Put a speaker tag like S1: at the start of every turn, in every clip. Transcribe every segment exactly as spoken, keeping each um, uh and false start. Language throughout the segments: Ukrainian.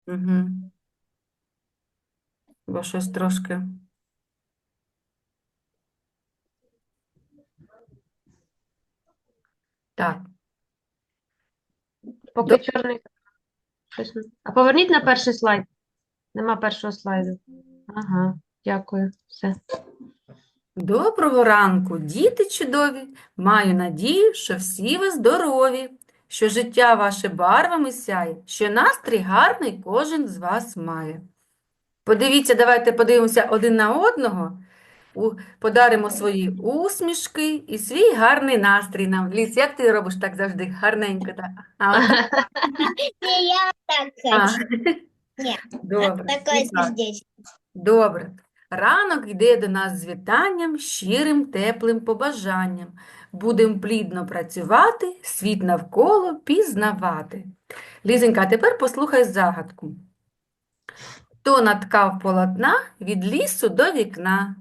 S1: Угу. Бо щось трошки. Так. До...
S2: Поки чорний. щось не- А поверніть на перший слайд. Нема першого слайду. Ага, дякую. Все.
S1: Доброго ранку, діти чудові! Маю надію, що всі ви здорові, що життя ваше барвами сяє, що настрій гарний кожен з вас має. Подивіться, давайте подивимося один на одного, у- подаримо свої усмішки і свій гарний настрій нам. Ліс, як ти робиш так завжди гарненько? Так? А, отак?
S3: Не, я так
S1: А,
S3: хочу. Нет,
S1: добре,
S3: такое
S1: так.
S3: здесь.
S1: Добре. Ранок йде до нас з вітанням, щирим, теплим побажанням. Будем плідно працювати, світ навколо пізнавати. Лізенька, а тепер послухай загадку. Хто наткав полотна від лісу до вікна?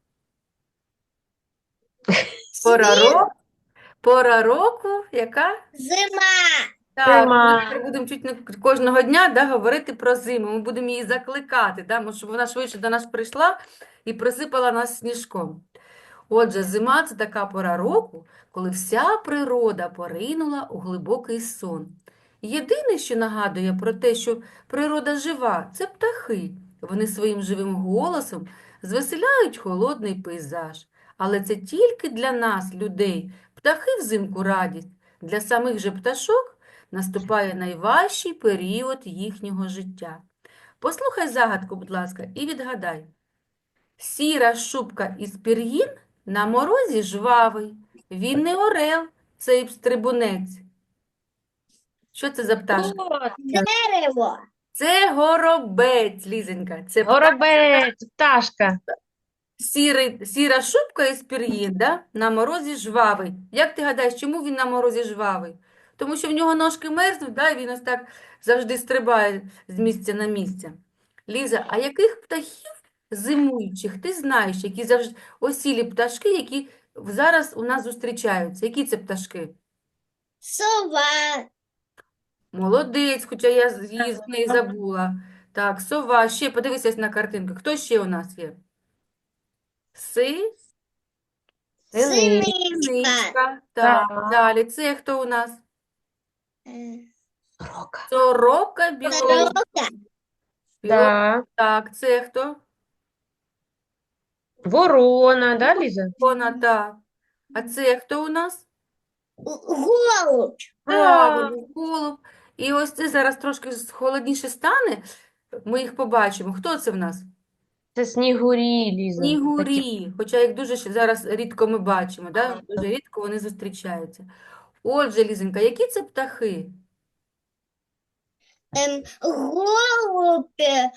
S1: Пора
S3: Снег,
S1: року, пора року, яка?
S3: зима.
S1: Так, ми
S2: Нема.
S1: тепер будемо чуть не кожного дня, да, говорити про зиму. Ми будемо її закликати, да, може, щоб вона швидше до нас прийшла і присипала нас сніжком. Отже, зима – це така пора року, коли вся природа поринула у глибокий сон. Єдине, що нагадує про те, що природа жива – це птахи. Вони своїм живим голосом звеселяють холодний пейзаж. Але це тільки для нас, людей. Птахи взимку радість. Для самих же пташок наступає найважчий період їхнього життя. Послухай загадку, будь ласка, і відгадай. Сіра шубка із пір'їн на морозі жвавий. Він не орел, цей стрибунець. Що це за пташка?
S2: От,
S3: Дерево.
S1: Це горобець, Лізенька. Це
S2: горобець, пташка.
S1: сірий, сіра шубка із пір'їн, да? На морозі жвавий. Як ти гадаєш, чому він на морозі жвавий? Тому що в нього ножки мерзнуть, да? І він ось так завжди стрибає з місця на місце. Ліза, а яких птахів зимуючих ти знаєш, які завжди осілі пташки, які зараз у нас зустрічаються? Які це пташки?
S3: Сова.
S1: Молодець, хоча я з- її з неї забула. Так, сова, ще подивися на картинку. Хто ще у нас є? Си?
S2: Сини.
S3: Синичка.
S1: Синичка. Так,
S2: Так.
S1: далі. Це хто у нас?
S3: Э,
S2: Сорока.
S1: Сорока біло.
S3: Сорока.
S1: Біло.
S2: Так.
S1: Так, це хто?
S2: Ворона, да, Ліза?
S1: Вона, так. А це хто у нас?
S3: Голубь.
S2: Так.
S1: Правильно, голуб. І ось це зараз трошки с- холодніше стане. Ми їх побачимо. Хто це в нас?
S2: Це снігурі, Ліза. Такі.
S1: Снігурі. Хоча їх дуже ще зараз рідко ми бачимо, да? Дуже рідко вони зустрічаються. Отже, Лізенька, які це птахи?
S3: Эм, голубь. э,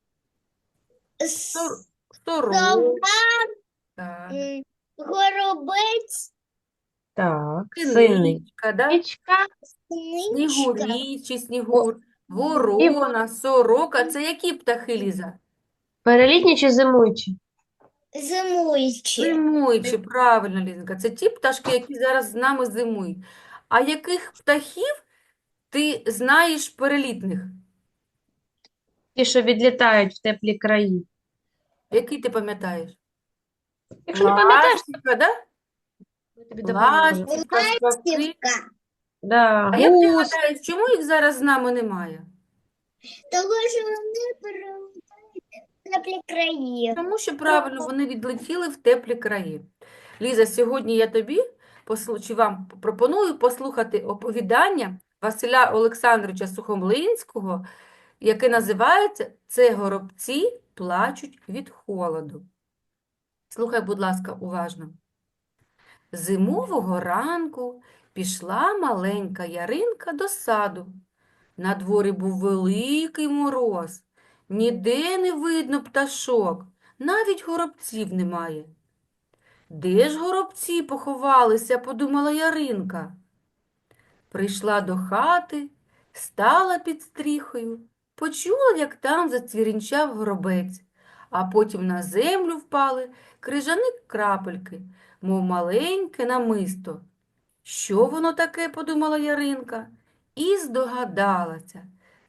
S1: Сор-
S3: с-
S1: Сорока.
S3: Сова.
S1: Так.
S3: м, Горобець.
S2: Так, сини.
S1: Синичка, да?
S2: Нічка.
S3: Синичка.
S1: Снігурі чи снігур,
S2: І
S1: ворона, сорока. Це які птахи, Ліза?
S2: перелітні чи зимуючі?
S3: Зимуючі.
S1: Зимуючі, правильно, Лізенька. Це ті пташки, які зараз з нами зимують. А яких птахів ти знаєш перелітних?
S2: Ті, що відлітають в теплі краї.
S1: Які ти пам'ятаєш?
S2: Якщо не пам'ятаєш,
S1: Ластівка, да?
S2: ми тобі допоможемо.
S1: Ластівка, скавки.
S3: Ластівка.
S2: Да,
S1: А як ти
S2: гусь.
S1: гадаєш, чому їх зараз з нами немає?
S3: Того, що вони перелітають в теплі краї.
S1: Тому що, правильно, вони відлетіли в теплі краї. Ліза, сьогодні я тобі послу- чи вам пропоную послухати оповідання Василя Олександровича Сухомлинського, яке називається «Це горобці плачуть від холоду». Слухай, будь ласка, уважно. Зимового ранку пішла маленька Яринка до саду. На дворі був великий мороз. Ніде не видно пташок, навіть горобців немає. Де ж горобці поховалися, подумала Яринка. Прийшла до хати, стала під стріхою, почула, як там зацвірінчав горобець, а потім на землю впали крижані крапельки, мов маленьке намисто. Що воно таке, подумала Яринка, і здогадалася.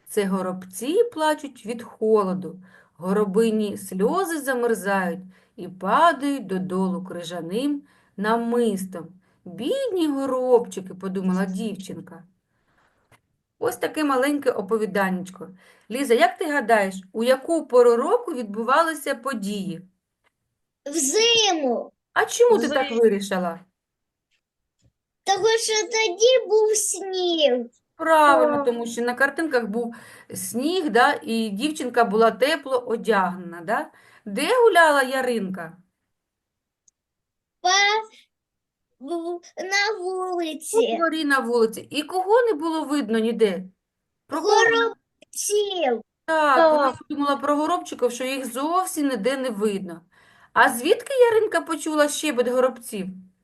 S1: Це горобці плачуть від холоду, горобині сльози замерзають і падають додолу крижаним намистом. Бідні горобчики, подумала дівчинка. Ось таке маленьке оповіданечко. Ліза, як ти гадаєш, у яку пору року відбувалися події?
S3: Взиму.
S1: А чому ти так
S2: Взимку.
S1: вирішила?
S3: Тому що тоді був сніг.
S1: Правильно,
S2: Так.
S1: тому що на картинках був сніг, да, і дівчинка була тепло одягнена. Да? Де гуляла Яринка?
S3: По... в- На
S1: У
S3: вулиці.
S1: дворі на вулиці. І кого не було видно ніде? Про кого?
S3: Горобців.
S1: Так, вона
S2: Так.
S1: подумала про горобчиків, що їх зовсім ніде не видно. А звідки Яринка почула щебет горобців?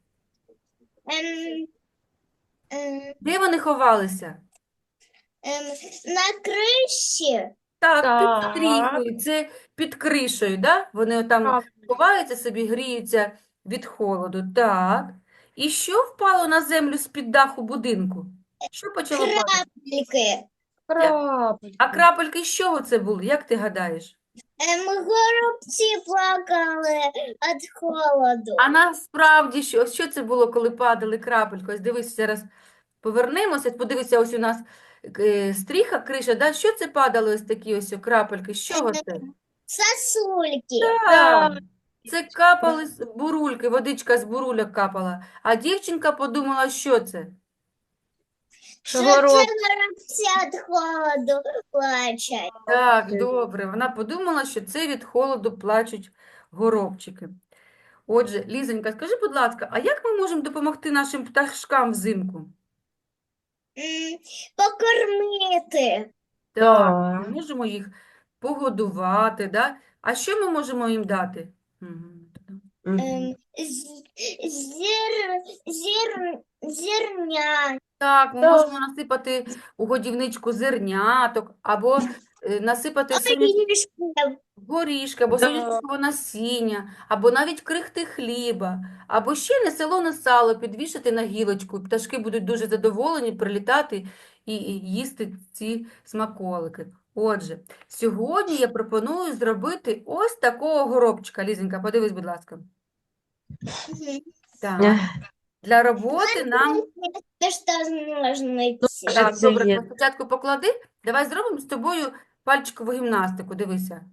S3: Ем, ем,
S1: Де вони ховалися?
S3: ем, на криші.
S1: Так, під
S2: Так.
S1: стріхою, це під кришею, да? Вони там
S2: Так.
S1: ховаються собі, гріються від холоду. Так. І що впало на землю з-під даху будинку? Що почало падати?
S3: Крапельки.
S2: Крапельки.
S1: А крапельки з чого це були? Як ти гадаєш?
S3: Ем, горобці плакали від холоду.
S1: А насправді що? Що це було, коли падали крапельки? Ось дивись, зараз повернемося, подивися, ось у нас е, стріха, криша, да? Що це падало ось такі ось крапельки? З чого це?
S3: Сосульки.
S1: Так,
S2: Так.
S1: це капали з бурульки, водичка з бурульок капала. А дівчинка подумала, що це?
S3: Що
S2: Що
S3: це
S2: город.
S3: горобці від холоду плачуть.
S1: Так,
S2: Ти.
S1: добре. Вона подумала, що це від холоду плачуть горобчики. Отже, Лізонька, скажи, будь ласка, а як ми можемо допомогти нашим пташкам взимку?
S3: М, Покормити.
S1: Так, ми
S2: Так.
S1: можемо їх погодувати, да? А що ми можемо їм дати? Мгм.
S2: Мгм.
S3: Ем, з- Зір, зір, зірня.
S1: Так, ми
S2: Так.
S1: можемо насипати у годівничку зерняток, або е, насипати соняшникового
S3: Горішків.
S1: горішки, або
S2: Да.
S1: соняшникового насіння, або навіть крихти хліба, або ще несолоне сало підвішати на гілочку. І пташки будуть дуже задоволені прилітати і, і їсти ці смаколики. Отже, сьогодні я пропоную зробити ось такого горобчика. Лізенька, подивись, будь ласка.
S3: Мгм.
S1: Так,
S2: Ех,
S1: для роботи нам...
S3: Це що з ножниці.
S2: Що
S1: Так,
S2: це
S1: добре,
S2: є?
S1: спочатку поклади. Давай зробимо з тобою пальчикову гімнастику. Дивися.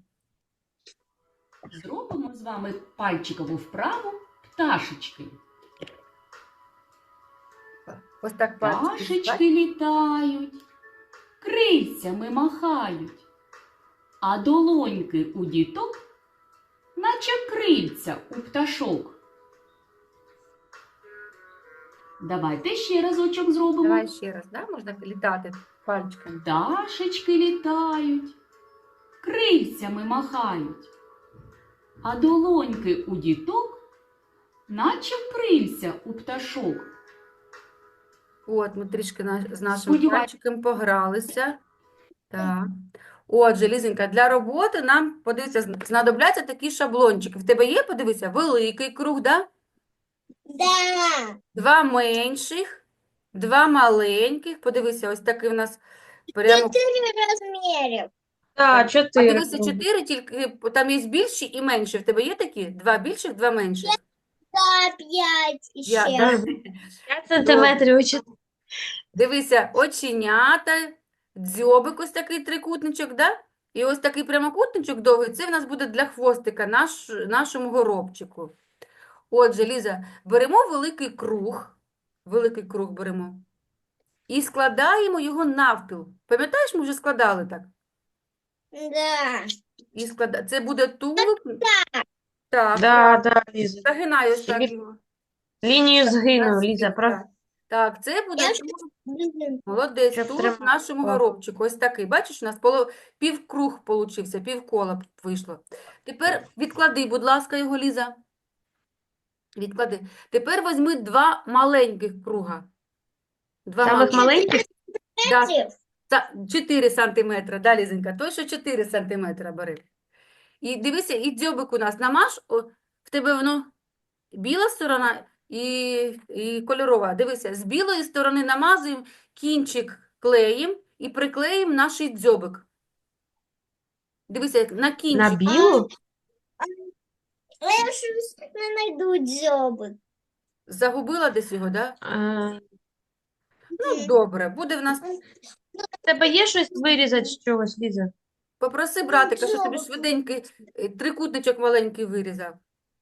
S4: Зробимо з вами пальчикову вправу пташечки.
S1: Ось так пальчики.
S4: Пташечки літають, крильцями махають, а долоньки у діток, наче крильця у пташок. Давайте ще разочок зробимо.
S1: Давай ще раз, да? Можна літати пальчиками.
S4: Пташечки літають, крильцями махають, а долоньки у діток, наче крильця у пташок.
S1: От, ми трішки на- з нашим
S4: Сподіваюсь.
S1: пальчиком погралися. Так. Отже, Лізенька, для роботи нам, подивися, зн- знадобляться такі шаблончики. В тебе є, подивися, великий круг, да?
S3: Да.
S1: Два менших, два маленьких. Подивися, ось такий у нас прямо.
S3: Чотири розмірів.
S2: Так,
S1: А
S2: чотири.
S1: дивися, чотири, тільки там є більші і менші. В тебе є такі? Два більших, два менших.
S3: Та п'ять
S1: Я,
S3: ще.
S1: да?
S2: П'ять сантиметрів у чотири.
S1: Дивися, оченята, дзьобик, ось такий трикутничок, да? І ось такий прямокутничок довгий, це в нас буде для хвостика, наш, нашому горобчику. Отже, Ліза, беремо великий круг, великий круг беремо, і складаємо його навпіл. Пам'ятаєш, ми вже складали так?
S3: Да.
S1: І склада... Це буде тулуб. Так,
S2: Да, да, Ліза.
S1: загинаю ось так
S2: Лі-
S1: його.
S2: Лінію згину,
S1: Раз,
S2: Ліза.
S1: і
S2: Про...
S1: так. Так, це буде
S3: Я ж-
S1: тулуб.
S3: Блін.
S1: Молодець,
S2: Щоб
S1: тулуб
S2: тримати.
S1: нашому
S2: О.
S1: горобчику. Ось такий. Бачиш, у нас поло... півкруг получився, півкола вийшло. Тепер відклади, будь ласка, його, Ліза. Відклади. Тепер візьми два маленьких круга. Два
S2: Самих
S1: маленьких.
S2: маленьких?
S1: Да,
S3: Сантиметрів.
S1: та- чотири сантиметри, да, Лізенька? Той, що чотири сантиметри бери. І дивися, і дзьобик у нас намаж, о, в тебе воно біла сторона і, і кольорова. Дивися, з білої сторони намазуємо кінчик клеєм і приклеїмо наш дзьобик. Дивися, як на
S2: На
S1: кінчик.
S2: білу?
S3: Я щось не знайду дзьобик.
S1: Загубила десь його, да?
S2: А,
S1: Ну, добре, буде в нас.
S2: в тебе є щось вирізати з чогось, Ліза?
S1: Попроси братика, щоб тобі
S3: дзьобик.
S1: швиденький е, трикутничок маленький вирізав.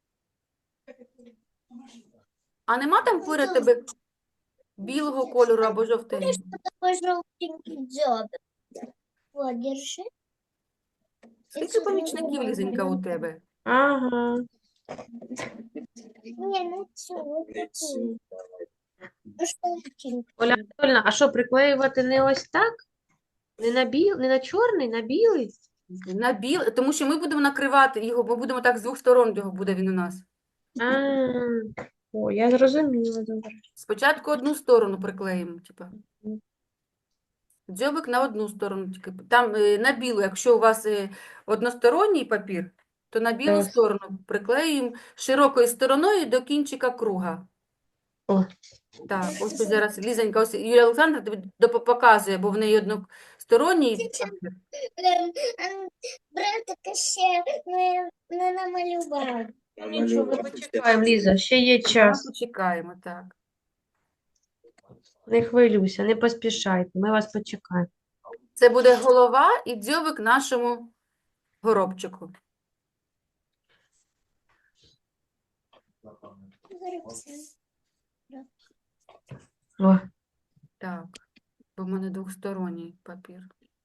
S1: А нема там поряд тебе білого кольору або жовтенького?
S3: Такой желтенький дзьобик. Вот, держи.
S1: Скільки помічників, Лізенька, у тебе?
S2: Ага.
S3: Не, ну всё, вот такой. Ну, желтенький.
S2: Оля Анатольевна, а що, приклеювати не ось так? Не на біл, не на чорний, на білий?
S1: На біл... Тому що ми будемо накривати його, ми будемо так з двох сторон його буде він у нас.
S2: А, о, я зрозуміла, добре.
S1: Спочатку одну сторону приклеїмо, типа. Дзьобик на одну сторону тільки. Там е, на білу, якщо у вас е, односторонній папір, то на білу
S2: Так.
S1: сторону приклеїмо широкою стороною до кінчика круга.
S2: О.
S1: Так, ось тут зараз Лізонька, ось Юлія Олександровна тобі доп- показує, бо в неї односторонній папір.
S3: Ем, ем, Братика ще не, не намалював.
S2: Нічого, ми почекаємо, Ліза, ще є
S1: Ми
S2: час.
S1: почекаємо, так.
S2: Не хвилюйся, не поспішайте, ми вас почекаємо.
S1: Це буде голова і дзьобик нашому горобчику.
S2: О,
S1: Так, бо в мене двосторонній папір.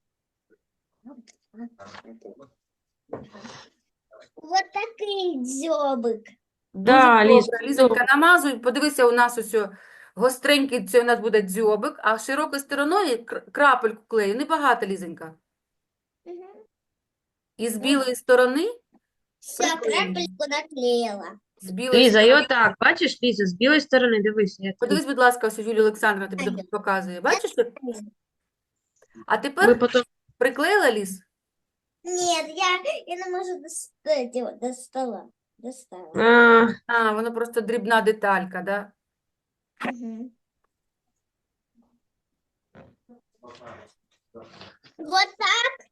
S3: Вот такий дзьобик.
S2: да,
S1: Дуже
S2: Ліз,
S1: добре. Лізонька, намазуй, подивися, у нас ось о гостренький, це у нас буде дзьобик, а широкою стороною кр- крапельку клею, небагато, Лізонька.
S3: Мгм.
S1: І з білої сторони,
S3: Все,
S1: Прикольно.
S3: крапельку наклеила.
S1: з білої
S2: Ліза, і
S1: сторони,
S2: отак, бачиш, Ліза, з білої сторони, дивися, як
S1: подивись, будь ласка, ось Юлія Олександровна тобі
S3: Ага.
S1: доп- показує. Бачиш? як? А
S2: ми
S1: тепер
S2: потім...
S1: приклеїла, Ліз?
S3: Нет, я, я не можу достать его до стола. Достала.
S2: А,
S1: А, воно просто дрібна деталька, да?
S3: Мгм. Вот так.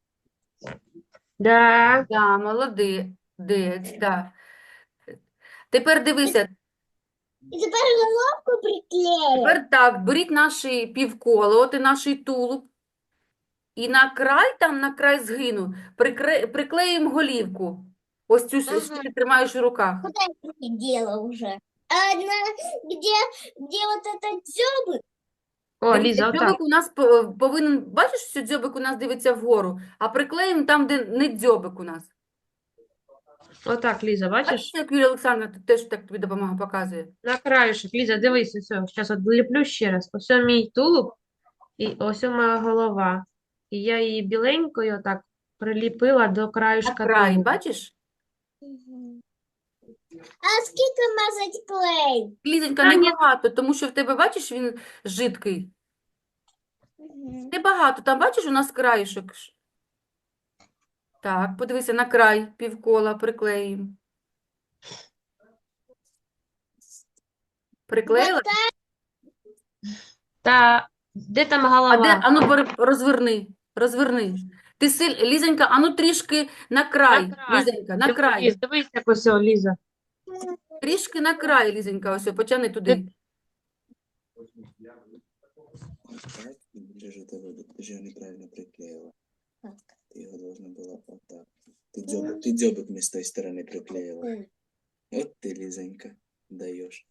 S2: да.
S1: Да, молодець, да. Тепер дивися,
S3: И теперь головку приклеим.
S1: тепер так, беріть наші півколо, от і наш тулуб, і на край, там на край згину, прикре... приклеїмо голівку. Ось цю, що
S3: Ага.
S1: ти тримаєш у руках.
S3: Куда я не дела уже? А на, где, где вот этот дзёбик?
S2: О,
S1: Дивіться,
S2: Ліза, отак.
S1: дзьобик у нас по- повинен, бачиш, що дзьобик у нас дивиться вгору, а приклеїмо там, де не дзьобик у нас.
S2: Отак, Ліза,
S1: Бачиш,
S2: бачиш?
S1: як Юлія Олександровна тут теж так тобі допомога показує?
S2: На краюшок. Ліза, дивись, ось, зараз от ліплю ще раз. Ось мій тулуб і ось моя голова. І я її біленькою отак приліпила до
S1: На
S2: краюшка
S1: край,
S2: тулуба.
S1: бачиш?
S3: А сколько мазать клей?
S1: Лізонька,
S2: Та ні.
S1: небагато, тому що в тебе, бачиш, він жидкий.
S3: Мгм.
S1: Небагато, там, бачиш, у нас краєшок. ж. Так, подивися, на край півкола приклеїмо. Приклеїла?
S3: Вот так.
S2: Та де там
S1: А де?
S2: голова?
S1: Ану, пере- розверни, розверни. Ти силь, Лізонька, ану трішки на край,
S2: На край.
S1: Лізонька, на
S2: Дивись,
S1: край.
S2: Ліз, дивись, як ось, о, Ліза.
S1: Трішки на край, Лізонька, ось, потягни туди.
S5: Так, більше ж тебе, ти ж його неправильно приклеїла.
S3: Так.
S5: Ти його должна була отак. Ти дзьобик, ти дзьобик не з тої сторони приклеїла.
S3: Ой.
S5: От ти, Лізонька, даєш.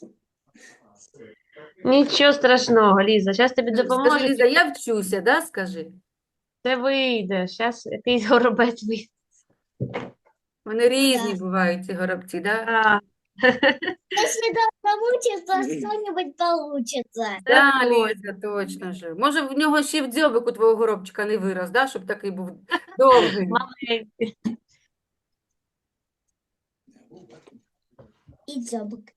S2: Нічого страшного, Ліза. Зараз тобі
S1: Скажи,
S2: допоможуть.
S1: Ліза, я вчуся, да, скажи?
S2: Це вийде. Зараз якийсь горобець вийде.
S1: Вони різні бувають, ці горобці, да?
S2: А,
S3: Если да, получится, что-нибудь получится.
S1: Да,
S2: точно.
S1: Ліза, точно ж. Може, в нього ще в дзьобику твого горобчика не вирос, да, щоб такий був довгий.
S2: маленький.
S3: И дзёбик.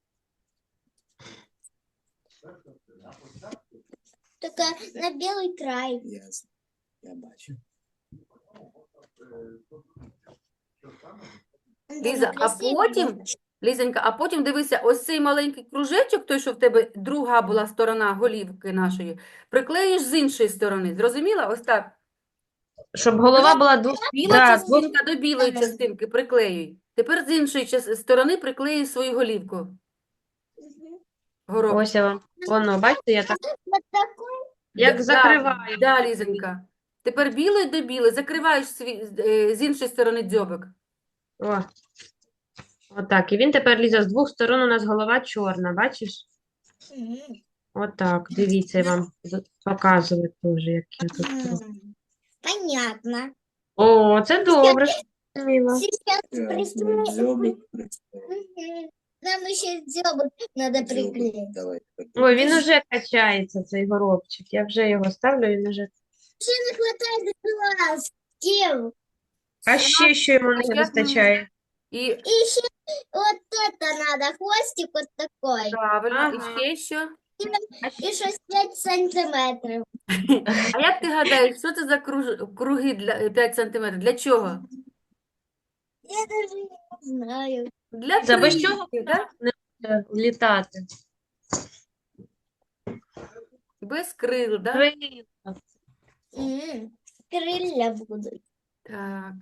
S3: Только на белый край.
S5: Ясно. Я бачу.
S1: Ліза, а
S3: Красивый
S1: потім
S3: был.
S1: Лізенька, а потім дивися, ось цей маленький кружечок, той, що в тебе друга була сторона голівки нашої, приклеїш з іншої сторони. Зрозуміла? Ось так.
S2: Щоб голова була двох...
S1: Біла
S2: Да, двох...
S1: частинка до білої частинки приклеюй. Тепер з іншої час- сторони приклеїй свою голівку. Горобчик.
S2: Ось я вам. Воно, бачите, я так
S3: Вот такой.
S2: як
S1: Да,
S2: закриваю.
S1: Да, Лізенька. Тепер білою до білої закриваєш свій, е, з іншої сторони дзьобик.
S2: О. Отак. І він тепер лізе з двох сторон, у нас голова чорна, бачиш?
S3: Мгм.
S2: Отак, дивіться, я вам з- показую теж, як я тут роблю.
S3: М, Понятно.
S2: О, це добре. Мила.
S3: Сейчас
S5: Так, ну,
S3: пристроим.
S5: дзьобик представь.
S3: Мгм. Нам еще дзёбок надо
S5: Дзьобик.
S3: приклеить.
S5: Давай. так.
S2: Ой, він уже качається, цей горобчик. Я вже його ставлю, він уже.
S3: Еще не хватает глаз. Кем?
S2: А ще що йому не
S1: як ми-
S2: вистачає?
S1: І
S3: И еще вот это надо. Хвостик вот такой.
S1: правильно,
S2: Ага.
S1: і ще що?
S3: И шесть пять сантиметров.
S1: А як ти гадаєш, що це за круж- круги для п'ять сантиметрів? Для чого?
S3: Я даже не знаю.
S1: Для
S2: За без
S1: крильців,
S2: чого
S1: да?
S2: Е, Літати.
S1: Без крил, да?
S2: Крила.
S3: М, Крылья будут.
S1: Так.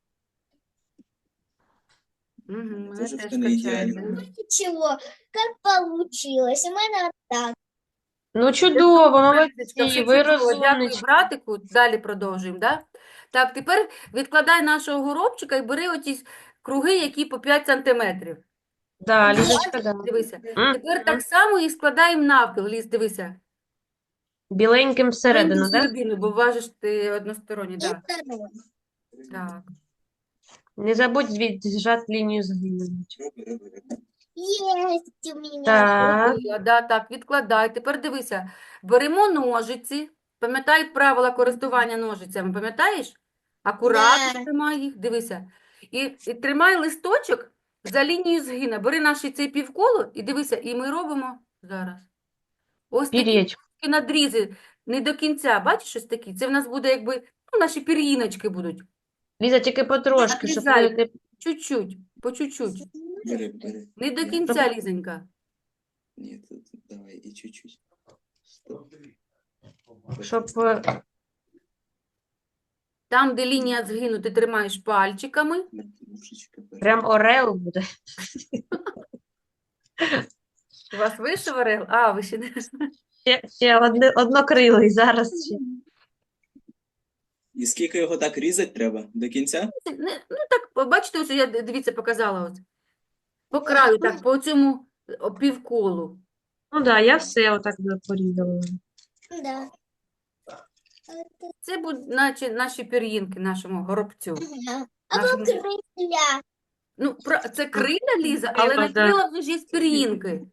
S1: Угу, мене
S5: Це ж
S1: теж
S5: це не ідеально.
S1: качається.
S3: Ничего, как получилось. У меня вот так.
S2: Ну, чудово, молодці,
S1: Лізочка, все
S2: ви
S1: чудово. Дякую,
S2: розумнички.
S1: братику. Далі продовжуємо, да? Так, тепер відкладай нашого горобчика і бери оті круги, які по п'ять сантиметрів.
S2: Да, Лізочка, да.
S1: Дивися.
S2: М,
S1: Тепер так само і складаємо навпіл. Ліз, дивися.
S2: Біленьким всередину,
S1: Маленьку
S2: так?
S1: середину, бо важиш ти односторонній,
S3: И
S1: да.
S3: второй.
S1: Так.
S2: Не забудь зжати лінію згину.
S5: Роби, роби, роби.
S3: Есть у меня.
S2: Так,
S1: Зробила, да, так, відкладай. Тепер дивися. Беремо ножиці. Пам'ятай правила користування ножицями, пам'ятаєш? Акуратно
S3: Да.
S1: тримай їх, дивися. І, і тримай листочок за лінією згина. Бери наш цей півколо і дивися, і ми робимо зараз. Ось такі
S2: пір'ячко.
S1: надрізи, не до кінця, бачиш, ось такі? Це в нас буде якби, ну, наші пір'їночки будуть.
S2: Ліза, тільки потрошки, щоб
S1: Надрізай.
S2: не...
S1: Чуть-чуть, по чуть-чуть.
S5: Бери, бери.
S1: Не до кінця, Лізонька.
S5: Ні, тут давай і чуть-чуть. Стоп.
S2: щоб е,
S1: Там, де лінія згину, ти тримаєш пальчиками.
S5: Ножичка бери.
S2: прям орел буде.
S1: У вас вийшов орел? А, ви ще не...
S2: Ще, ще одне, однокрилий зараз ще.
S5: І скільки його так різати треба? До кінця?
S1: не... Ну, так, бачите, ось я, дивіться, показала. От. По краю, так, по цьому о, півколу.
S2: Ну так, да, я все отак би порізала.
S3: Да.
S1: Це будуть наче наші пір'їнки, нашому горобцю.
S3: Ага. А
S1: Нашому...
S3: вот крылья.
S1: Ну, про... це крилля, Ліза, але
S2: Крила,
S1: на
S2: да.
S1: крилах вже ж є пір'їнки.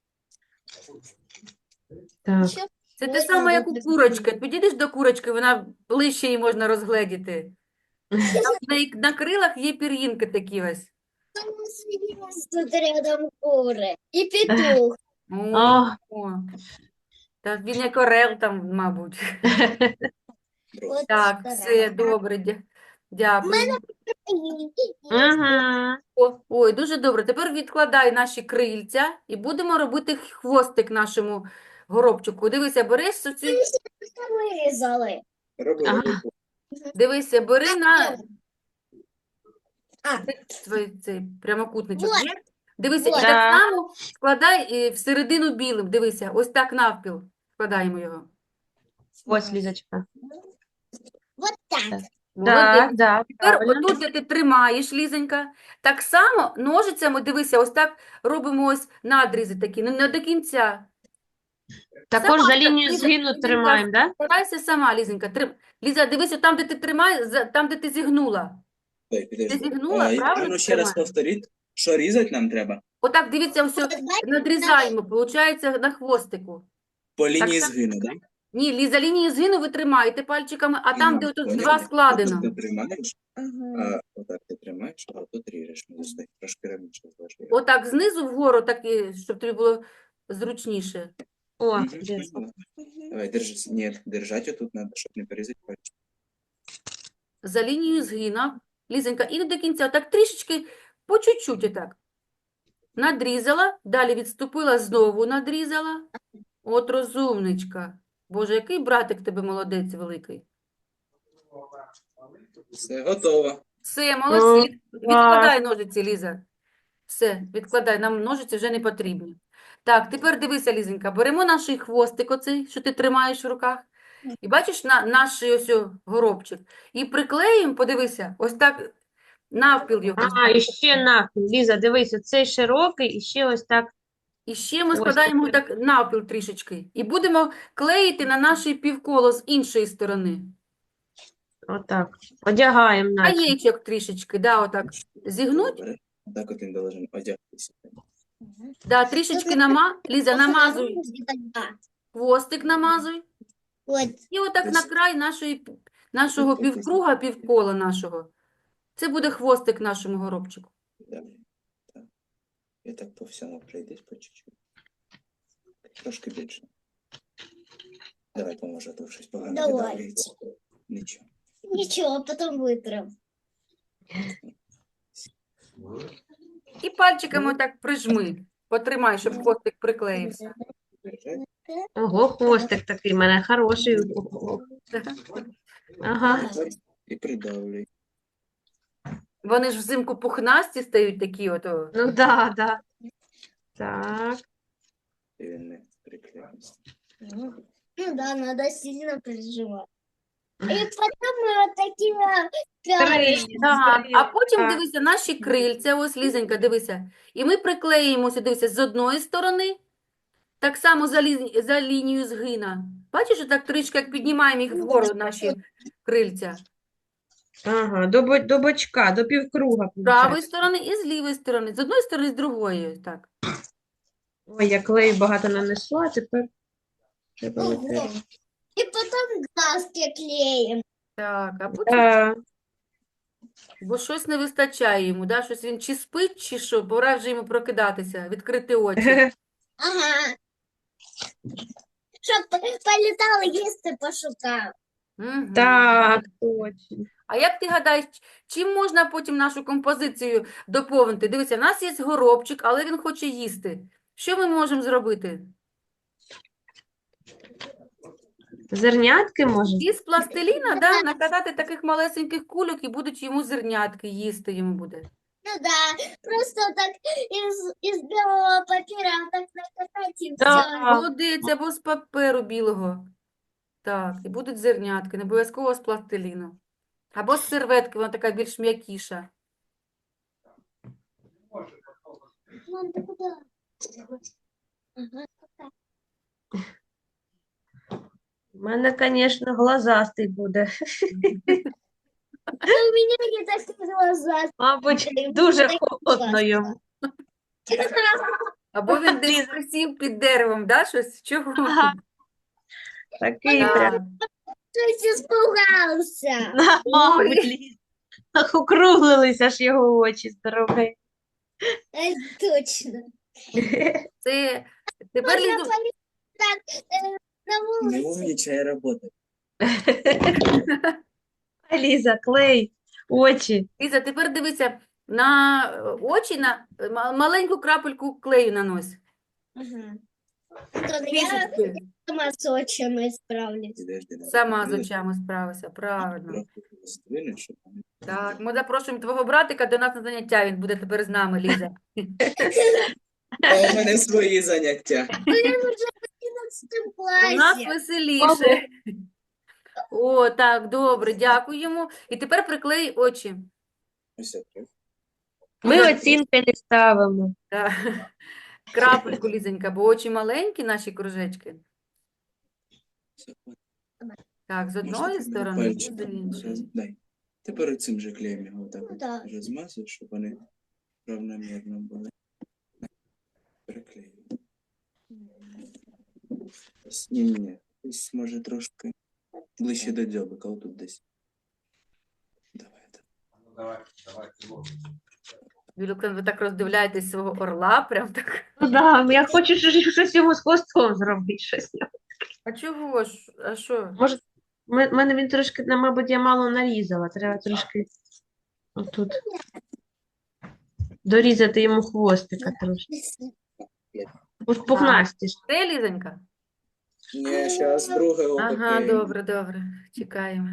S2: Так.
S3: Ещё
S1: Це те
S3: крылья
S1: саме, як у
S3: будут.
S1: курочки. Підійдеш до курочки, вона ближче її можна розгледіти. Там на, на крилах є пір'їнки такі ось.
S3: У нас есть тут рядом куры. И петух.
S1: О,
S2: О,
S1: о. Та він як орел там, мабуть.
S3: Вот
S1: Так,
S3: сторона.
S1: все, добре, дя- дякую.
S2: угу.
S1: О, ой, дуже добре. Тепер відкладай наші крильця і будемо робити хвостик нашому горобчику. Дивися, бери цю,
S3: Вырезали.
S5: Роби,
S2: Ага.
S5: роби.
S1: дивися, бери на
S3: А,
S1: свій цей прямокутничок.
S3: Вот.
S1: Є? Дивися, і
S3: Вот.
S1: так
S2: Так.
S1: само складай е, всередину білим. Дивися, ось так навпіл складаємо його.
S2: Ось, Лізочка.
S3: вот так.
S1: Молодець.
S2: Так, так,
S1: Тепер
S2: правильно.
S1: отут, де ти тримаєш, Лізонька, так само ножицями, дивися, ось так робимо ось надрізи такі, ну не до кінця.
S2: Також
S1: Сама
S2: за
S1: так,
S2: лінію
S1: Ліза,
S2: згину
S1: Лізонька,
S2: тримаємо, так?
S1: Старайся сама, Лізонька. Трим... Ліза, дивися, там, де ти тримаєш, за- там, де ти зігнула.
S5: Дай, підожди.
S1: Ти зігнула,
S5: А, і-
S1: правильно
S5: а ну ще раз
S1: тримаєш?
S5: повторіть. Що різати нам треба?
S1: Отак, дивіться, все
S3: Вот, бачиш,
S1: надрізаємо, виходить, на хвостику.
S5: По лінії
S1: само.
S5: згину, так?
S1: Ні, Ліза, лінію згину ви тримаєте пальчиками, а там,
S5: Ага,
S1: де отут
S5: поняла.
S1: два складено.
S5: Отут ти тримаєш,
S3: Ага.
S5: а отак ти тримаєш, а отут ріжеш. Ну, стой, трошки раніше зложи.
S1: Отак, знизу вгору, так, і, щоб тобі було зручніше.
S2: О,
S5: Мгм,
S2: де?
S5: поняла. Давай, держи. Ні, держати отут треба, щоб не порізати пальчик.
S1: За лінією згина, Лізонька, і не до кінця, так трішечки, по чуть-чуть отак. надрізала, далі відступила, знову надрізала. От розумничка. Боже, який братик в тебе молодець великий.
S5: Все готово.
S1: Все, молодці. Від- Відкладай
S2: клас.
S1: ножиці, Ліза. Все, відкладай, нам ножиці вже не потрібні. Так, тепер дивися, Лізенька, беремо наш хвостик оцей, що ти тримаєш в руках. І бачиш на, наш ось о горобчик. І приклеїмо, подивися, ось так навпіл його.
S2: А, і ще навпіл. Ліза, дивись, оцей широкий, і ще ось так.
S1: І ще ми
S2: Ось
S1: складаємо
S2: тепер.
S1: так навпіл трішечки. І будемо клеїти на наше півколо з іншої сторони.
S2: Отак. Одягаємо наче.
S1: Краєчок трішечки, да, отак. Зігнуть,
S5: Добре. Так от він должен одягтися.
S1: да, трішечки нама... Ліза, намазуй,
S3: Где-то два.
S1: хвостик намазуй.
S3: Вот.
S1: І отак на край нашої, пі- нашого півкруга, півкола нашого. Це буде хвостик нашому горобчику.
S5: Добре. Так. І так по всьому пройдись по чуть-чуть. Трошки більше. Давай поможу, а то щось погано
S3: Давай.
S5: видавлюється. Нічого.
S3: Ничего, потом вытрем.
S1: І пальчиками отак прижми. Потримай, щоб хвостик приклеївся.
S5: Держать.
S2: Ого, хвостик такий в мене хороший. Ага.
S5: І придавлюй.
S1: Вони ж взимку пухнасті стають такі ото.
S2: Ну да, да. Так.
S5: І він не приклеїться.
S3: Ну да, надо сильно прижимать. И потом мы вот такими пялочками.
S1: Так, а потім
S2: Так.
S1: дивися, наші крильця, ось Лізенька, дивися. І ми приклеїмося, дивися, з одної сторони, так само за, лі... за лінію згина. Бачиш, так трішки як піднімаємо їх вгору, наші крильця.
S2: Ага, до, бо- до бочка, до півкруга.
S1: З правої
S2: виходить.
S1: сторони і з лівої сторони. З одної сторони, з другої. ось Так.
S2: Ой, я клею багато нанесла, а тепер треба
S3: Ого.
S2: витирати.
S3: И потом глазки клеим.
S1: Так, а потім,
S2: Так.
S1: бо щось не вистачає йому, да? Щось він чи спить, чи що, пора вже йому прокидатися, відкрити очі.
S3: Ага. Чтоб полетал, если пошукал.
S1: Мгм.
S2: Так, точно.
S1: А як ти гадаєш, чим можна потім нашу композицію доповнити? Дивися, в нас є горобчик, але він хоче їсти. Що ми можемо зробити?
S2: Зернятки може?
S1: Із пластиліна, да, накатати таких малесеньких кульок і будуть йому зернятки, їсти йому буде.
S3: Ну да, просто так из, из белого папира так накатать и
S2: Да.
S3: все.
S1: Молодець, або з паперу білого. Так, і будуть зернятки, не обов'язково з пластиліну. Або з серветки, вона така більш м'якіша.
S3: Мам, ты куда? Ага.
S2: У мене, звісно, глазастий буде.
S3: А у меня не такие глаза.
S2: Мабуть,
S3: Ой,
S2: дуже
S3: такі
S2: холодно
S3: класні.
S2: йому.
S1: Або він десь присів під деревом, да, щось? Чого?
S2: Ага. Такий
S1: Так.
S2: прям.
S3: Щось испугался.
S2: Мабуть, Ліз. Ах, округлилися ж його очі здорові.
S3: Э, Точно.
S1: Це тепер
S3: Можно
S1: Лізу,
S3: полетать так э, на
S5: Не
S3: улице.
S5: умнічає робота.
S2: Ліза, клей, очі.
S1: Ліза, тепер дивися, на е, очі, на е, ма- маленьку крапельку клею нанось.
S3: Ага. Антон, я
S1: Трішечки.
S3: сама с очами справлюсь.
S5: Підожди, давай.
S1: Сама з
S5: Трохи-
S1: очами справися, правильно.
S5: трохи роздвинуть, щоб вони-
S1: Так, ми запрошуємо твого братика до нас на заняття, він буде тепер з нами, Ліза.
S5: А у мене свої заняття.
S3: Ну, я уже в одиннадцатом
S1: У нас
S3: классе.
S1: веселіше. О, так, добре, дякуємо. І тепер приклей очі.
S5: Ось так.
S2: Ми оцінки не ставимо.
S1: Так. Крапельку, Лізенька, бо очі маленькі, наші кружечки.
S5: Все.
S1: Так, з
S5: Можна
S1: одної
S5: ти мені
S1: сторони і з
S5: пальчиком
S1: іншої.
S5: роз- Дай. Тепер цим же клеєм його так
S3: Ну
S5: от
S3: да.
S5: розмазуй, щоб вони равномірно були. Приклею. Ось, ні, ні, ні. Ось може трошки ближче до дзьобика, отут десь. Давай, так.
S1: Юлюка, ви так роздивляєтесь свого орла, прям так.
S2: Ну да, я хочу щось щось йому з хвостом зробити. Щось.
S1: А чого ж? А що?
S2: Може, в мене він трошки, на- мабуть, я мало нарізала. Треба трошки отут. дорізати йому хвостика трошки. Уж пухнастіше.
S1: Де, Лізонька?
S5: Ні, зараз друге
S1: Ага,
S5: опити.
S1: добре, добре. Чекаємо.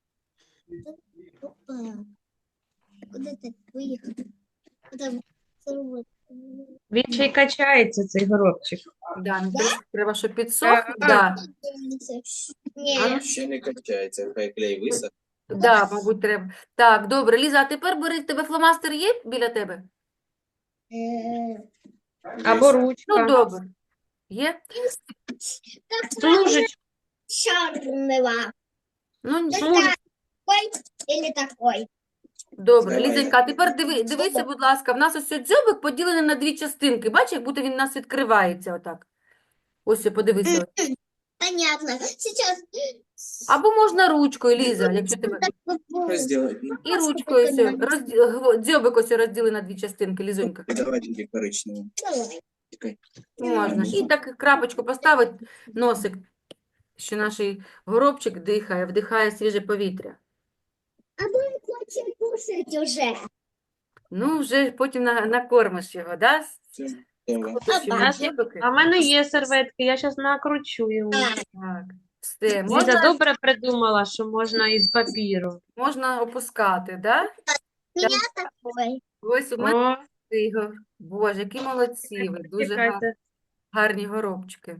S3: Опа. Куда ты поехал? Куда вы-
S2: Він ще й качається, цей горобчик.
S1: Да, ну, трошки треба, щоб підсох.
S2: Так.
S1: Да.
S3: Не,
S5: Ще не качається, хай клей висох.
S1: Да, мабуть, треба. Так, добре, Ліза, а тепер бери, в тебе фломастер є біля тебе?
S3: э,
S2: Або
S1: Ну,
S2: ручка.
S1: добре. Є?
S3: как
S2: Служить.
S3: черного.
S1: Ну,
S2: Служить.
S3: Такой или такой?
S1: добре,
S5: Давай.
S1: Лізонька, а тепер диви, дивися, будь ласка, в нас ось цей дзьобик поділений на дві частинки. Бачиш, як будто він у нас відкривається отак. Ось, подивися. ось.
S3: Понятно. Сейчас.
S1: Або можна ручкою, Ліза, якщо тебе...
S5: Розділити. Ну,
S1: І ручкою ось, розді... гво- дзьобик ось розділи на дві частинки, Лізонька.
S5: і давай тоді коричневу.
S3: Давай.
S5: Чекай.
S1: Можна. І так крапочку поставити, носик, що наш горобчик дихає, вдихає свіже повітря.
S3: А мы хотим кушать уже.
S1: Ну, вже потім на, накормиш його, да?
S5: Все, давай.
S1: Купиш йому
S2: А,
S1: дзьобики.
S2: А в мене є серветки, я зараз накручу його.
S1: Так, все,
S2: Ліза
S1: можна,
S2: добре придумала, що можна із папіру.
S1: можна опускати, да?
S3: Меня такой.
S1: Ось у мене
S2: О,
S1: його. Боже, які молодці ви, дуже га-
S2: чекайте.
S1: гарні горобчики.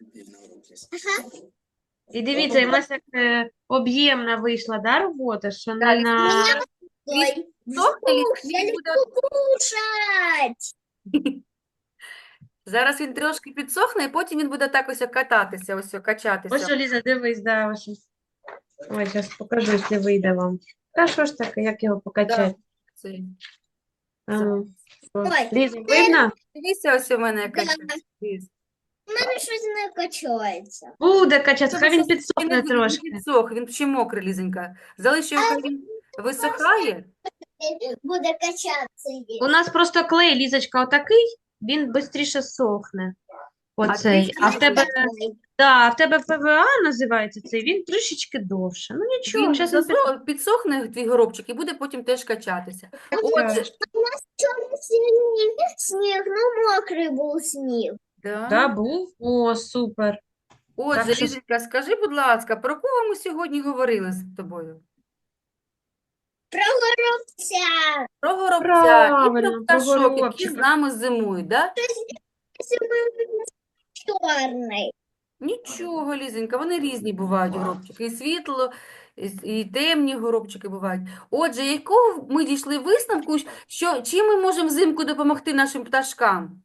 S2: І дивіться, і в нас як е, об'ємна вийшла, да, робота, що не
S1: Далі.
S2: на...
S3: Такой.
S1: Сохне ліс,
S3: Ух, я
S1: він
S3: люблю
S1: буде...
S3: кушать.
S1: Зараз він трошки підсохне, і потім він буде так ось кататися, ось
S2: Ось
S1: качатися.
S2: що, Ліза, дивись, да, ось. ось. Ой, зараз покажу, якщо вийде вам. Та що ж таке, як його покачати?
S1: Цей.
S2: А ну. О,
S3: Ой.
S2: Ліза, видно?
S1: Дивіться, ось у мене якась
S3: Да.
S1: ліс.
S3: У мене щось не качається.
S2: Буде качати, хай він
S1: Він
S2: підсохне
S1: не- він
S2: трошки.
S1: підсох, він ще мокрий, Лізенька. Залиш його, хай він висохає.
S3: Буде качатися.
S2: У нас просто клей, Лізочка, отакий, він швидше сохне. Оцей.
S1: ти
S2: А в тебе,
S3: Такой.
S2: да, а в тебе ПВА називається цей, він трішечки довше. Ну нічого,
S1: Він
S2: зараз він
S1: засо- підсохне твій горобчик і буде потім теж качатися.
S2: підкачає.
S3: Чорний сніг, ну мокрий був сніг.
S1: Да.
S2: Да, був? О, супер.
S1: Отже,
S2: Так що-
S1: Лізенька, скажи, будь ласка, про кого ми сьогодні говорили з тобою?
S3: Про горобця.
S1: Про горобця і
S2: Правильно,
S1: про
S2: про
S1: пташок, які
S2: горобчика.
S1: з нами зимують, да?
S3: Чорний.
S1: Нічого, Лізенька, вони різні бувають горобчики. І світло, і, с- і темні горобчики бувають. Отже, якого ми дійшли висновку, що чим ми можемо взимку допомогти нашим пташкам?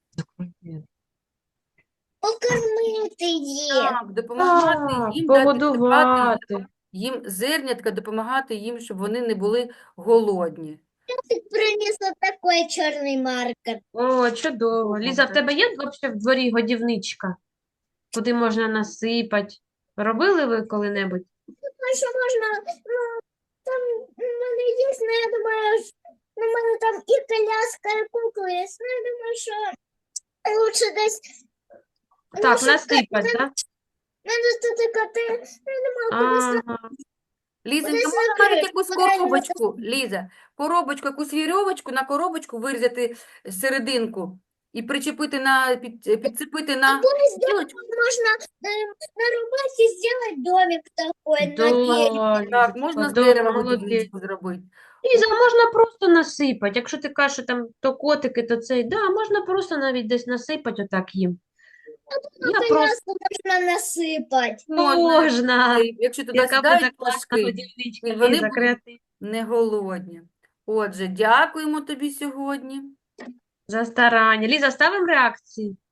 S3: Покормити їх.
S1: Так, допомагати
S2: Так,
S1: їм, дати спати,
S2: погодувати.
S1: їм зернятка, допомагати їм, щоб вони не були голодні.
S3: Ти приніс такий чорний маркер.
S2: О, чудово. Ліза, в тебе є взагалі в дворі годівничка, куди можна насипати? Робили ви коли-небудь?
S3: Ну, що можна, ну, там у мене є, ну, я думаю, що- ну, у мене там і коляска, і кукла є, ну, я думаю, що лучше десь, ну,
S2: Так,
S3: щоб
S2: насипати,
S3: коти-
S2: так?
S3: в мене тут коти, ну, я думаю, кудись
S2: Ага.
S1: Лізенька,
S3: Кудись
S1: можна навіть
S3: накрити,
S1: якусь
S3: кудись
S1: коробочку, Ліза, коробочку, якусь вірьовочку, на коробочку вирізати серединку і причепити на, під, підцепити на
S3: Пусть дома
S1: гілочку.
S3: можно э, на рубахе сделать домик такой на дереве.
S2: Да,
S1: Так, можна з
S2: Лізочка,
S1: дерева
S2: да, молодець.
S1: годівничку зробити.
S2: Ліза, можна просто насипати. Якщо ти кажеш, що там то котики, то цей, да, можна просто навіть десь насипати отак їм. Я просто
S3: Коляску можно насыпать.
S2: можна.
S1: Е, Якщо туди
S2: Яка буде
S1: сідають
S2: класна
S1: пташки,
S2: годівничка,
S1: і вони
S2: Ліза,
S1: будуть
S2: креатив.
S1: не голодні. Отже, дякуємо тобі сьогодні.
S2: За старання. Ліза, ставимо реакції?